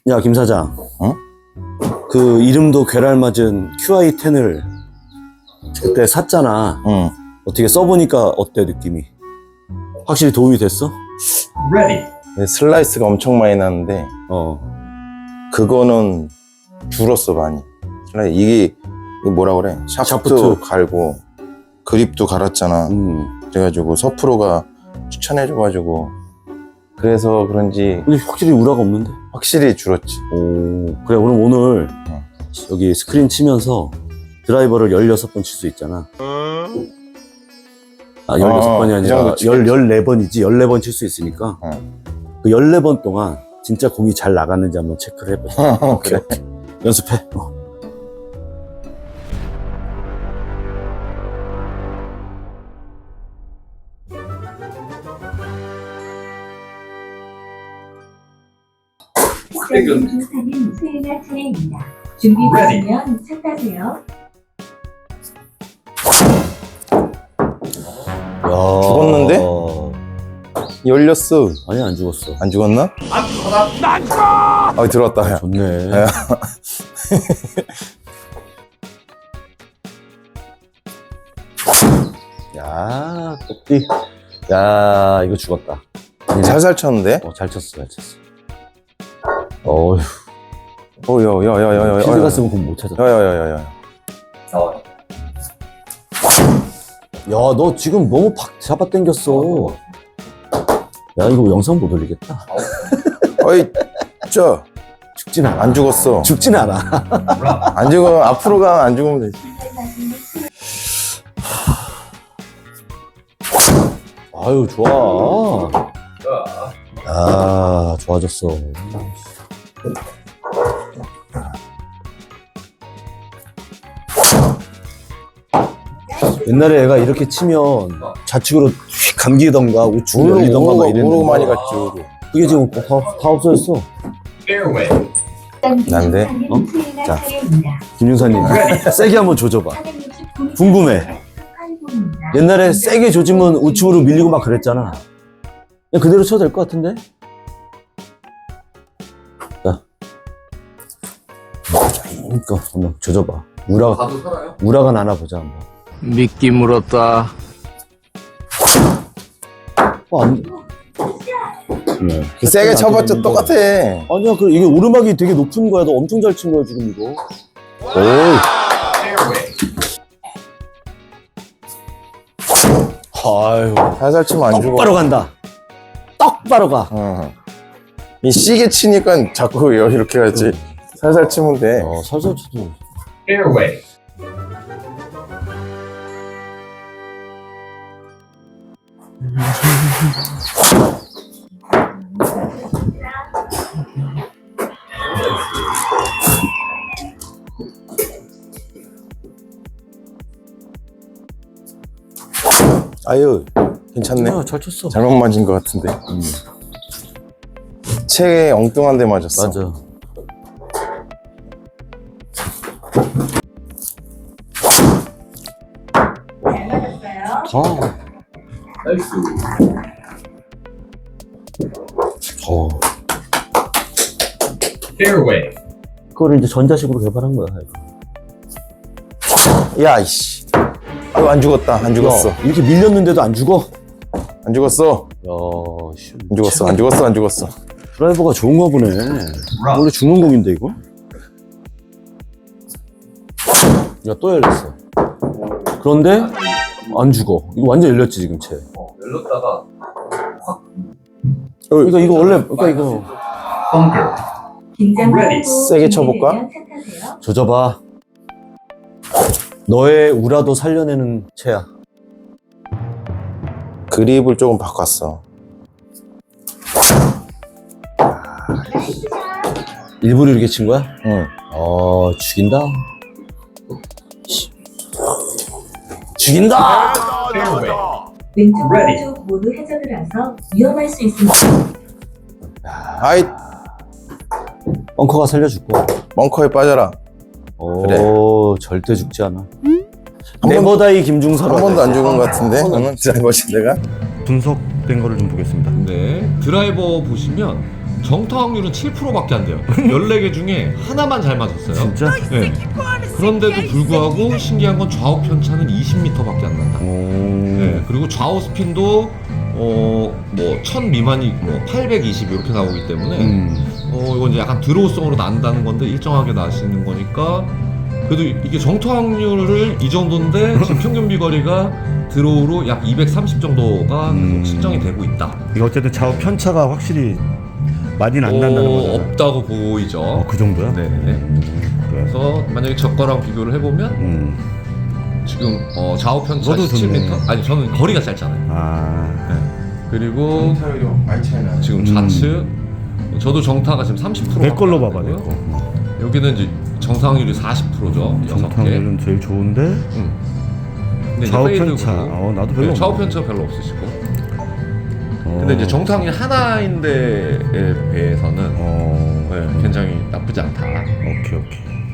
야, 김 사장. 어? 그 이름도 괴랄 맞은 QI10을 그때 샀잖아. 응. 어떻게 써보니까 어때, 느낌이? 확실히 도움이 됐어? 슬라이스가 엄청 많이 나는데 그거는 줄었어 많이. 이게 뭐라 그래? 샤프트 갈고 그립도 갈았잖아. 그래가지고 서프로가 추천해줘가지고 그래서 그런지 근데 확실히 우라가 없는데? 확실히 줄었지. 오, 그래. 오늘 여기 스크린 치면서 드라이버를 16번 칠 수 있잖아. 아, 16번이 아니라 14번이지. 14번 칠 수 있으니까 그 14번 동안 진짜 공이 잘 나갔는지 한번 체크를 해보자. 오케이. 연습해. 중사님 수행할 차례입니다. 준비되시면 차 타세요. 야, 죽었는데? 열렸어. 아니, 안 죽었어. 안 죽었나? 안 죽었다. 난 죽어! 아, 들어왔다. 야. 좋네. 야, 똑띠. 야, 이거 죽었다. 살살 쳤는데? 잘 쳤어, 잘 쳤어. 어휴. 야야야야야야. 필드 갔으면 그건 못 찾았다. 야야야야야. 야, 너 지금 너무 팍 잡아당겼어. 야, 이거 영상 못 올리겠다. 어이, 죽진 않아. 안 죽었어. 죽진 않아. 안 죽으면 앞으로 가면 안 죽으면 되지. 아유, 좋아. 아, 좋아졌어. 옛날에 애가 이렇게 치면 좌측으로 휙 감기던가 우측으로 열리던가 막 이랬는데 오르고 많이 갔지, 오르고. 그게 지금 다 없어졌어. 난데? 자, 김윤사님 세게 한번 조져봐. 궁금해. 옛날에 세게 조지면 우측으로 밀리고 막 그랬잖아. 그냥 그대로 쳐도 될 것 같은데? 자, 그러니까 한번 조져봐. 우라가 나나 보자 한번. 미끼 물었다. 안 돼. 네. 세게 쳐봤자 똑같아. 아니야, 이게 오르막이 되게 높은 거야. 너 엄청 잘 친 거야, 지금 이거. 오이. 아유. 살살 치면 안 죽어. 똑바로 간다. 똑바로 가. 이 시계 치니까 자꾸 이렇게 하지. 살살 치면 돼. 살살 쳐도. 아유, 괜찮네. 잘 쳤어. 잘못 맞은 것 같은데. 채에 엉뚱한 데 맞았어. 맞아. 그거를 이제 전자식으로 개발한 거야. 야, 이씨. 아유, 안 죽었다. 안 죽었어. 야, 이렇게 밀렸는데도 안 죽어? 안 죽었어. 야, 씨. 안 죽었어. 안 죽었어. 안 죽었어. 드라이버가 좋은가 보네. 원래 죽는 공인데, 이거? 야, 또 열렸어. 그런데, 안 죽어. 이거 완전 열렸지, 지금 채. 열렸다가 그러니까 이거 원래, 그러니까 이거. 세게 쳐볼까? 조져봐. 너의 우라도 살려내는 채야. 그립을 조금 바꿨어. 일부러 이렇게 친 거야? 응. 죽인다. 죽인다! 왼쪽 오른쪽 모두 해저드라서 위험할 수 있습니다. 아이, 벙커가 살려줄 거야. 벙커에 빠져라. 그래. 절대 죽지 않아. 번- 네버다이 김중서로. 한 번도 안 죽은 것 같은데? 그러면 드라이버 내가? 분석된 거를 좀 보겠습니다. 네, 드라이버 보시면 정타 확률은 7%밖에 안 돼요. 14개 중에 하나만 잘 맞았어요. 진짜? 네. 그런데도 불구하고 신기한 건 좌우 편차는 20m밖에 안 난다. 네. 그리고 좌우 스핀도 뭐 1000 미만이 뭐 820 이렇게 나오기 때문에 이건 이제 약간 드로우성으로 난다는 건데 일정하게 나시는 거니까 그래도 이게 정타 확률을 이 정도인데 지금 평균 비거리가 드로우로 약 230 정도가 계속 측정이 되고 있다. 이거 어쨌든 좌우 편차가 확실히 많이는 안 난다는 거잖아. 없다고 보이죠. 그 정도야? 네네. 그래서 만약에 저거랑 비교를 해보면 지금 좌우 편차 너도 17m? 아니 저는 거리가 짧잖아요. 아, 그리고 많이 차이 나요. 지금 좌측 저도 정타가 지금 30% 내 걸로 봐봐, 내 거. 여기는 이제 정타 확률이 40%죠. 6개. 정탕률은 제일 좋은데 근데 이제 좌우 페이드 편차. 그룹. 나도 별로 좌우 없네. 편차 별로 없으시고. 근데 이제 정타 확률 하나인데에 비해서는 어, 네, 굉장히 나쁘지 않다. 오케이.